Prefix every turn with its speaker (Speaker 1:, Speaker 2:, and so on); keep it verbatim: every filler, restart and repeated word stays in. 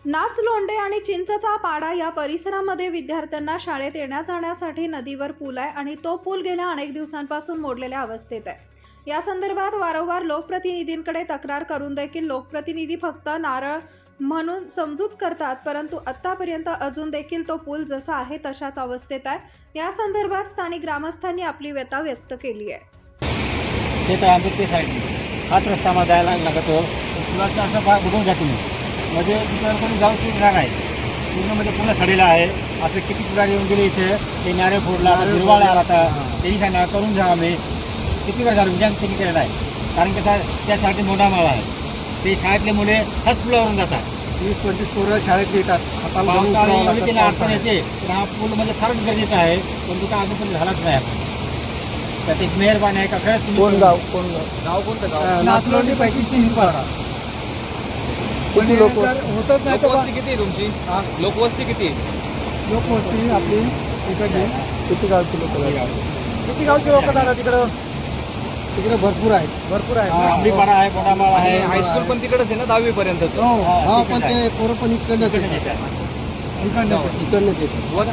Speaker 1: नाचलोंडे आणि चिंचचा पाडा या परिसरामध्ये विद्यार्थ्यांना शाळेत येण्या जाण्यासाठी नदीवर पूल आहे आणि तो पूल गेल्या अनेक दिवसांपासून मोडलेल्या अवस्थेत आहे। या संदर्भात वारंवार लोकप्रतिनिधींकडे तक्रार करून देखील लोकप्रतिनिधी फक्त नारळ म्हणून समजूत करतात, परंतु आतापर्यंत अजून देखील तो पूल जसा आहे तशाच अवस्थेत आहे। या संदर्भात स्थानिक ग्रामस्थांनी आपली व्यथा व्यक्त केली आहे।
Speaker 2: शेत आंबेडकर साईड हाच रस्ता मला जायला लागतो, पुलाचं असं भाग बुडून जातो मी, म्हणजे तिथं कोणी जाऊ शकणार नाही, पूर्ण म्हणजे पूर्ण सडेला आहे। असं किती पुढारी येऊन गेले इथे, ते नारळ फोडला, हिरवाळ आला, आता त्यांनी सांगा करून जा, आम्ही किती वेळ झालं विचार त्यांनी केलेला आहे, कारण की त्यासाठी मोठा माळा आहे, ते शाळेतले मुले हाच पुलावरून जातात,
Speaker 3: वीस पंचवीस पोरं शाळेत येतात,
Speaker 2: पावसाळ्यात त्यांना अडचण येते, तर हा पूल म्हणजे फारच गरजेचा आहे, पण तो काय अजून झालाच नाही आपण, तर ते मेहरबानी आहे का खरंच।
Speaker 3: कोण गाव कोण गाव गाव कोणतं गाव? नाचलोंडी पैकी तीन पाडा किती लोक होतच नाही।
Speaker 4: लोकवस्ती किती आहे तुमची? लोकवस्ती किती?
Speaker 3: लोकवस्ती आपली इकडे किती गावची लोक किती गावची लोक जातात तिकडं? तिकडे भरपूर आहेत भरपूर आहेत
Speaker 2: आंबीपाडा आहे, मोठामाळा आहे,
Speaker 4: हायस्कूल पण तिकडेच आहे ना, दहावी पर्यंत?
Speaker 3: हो, हा, पण ते पोरं पण इकडनंच येतात, इकडनंच इकडनंच येतात।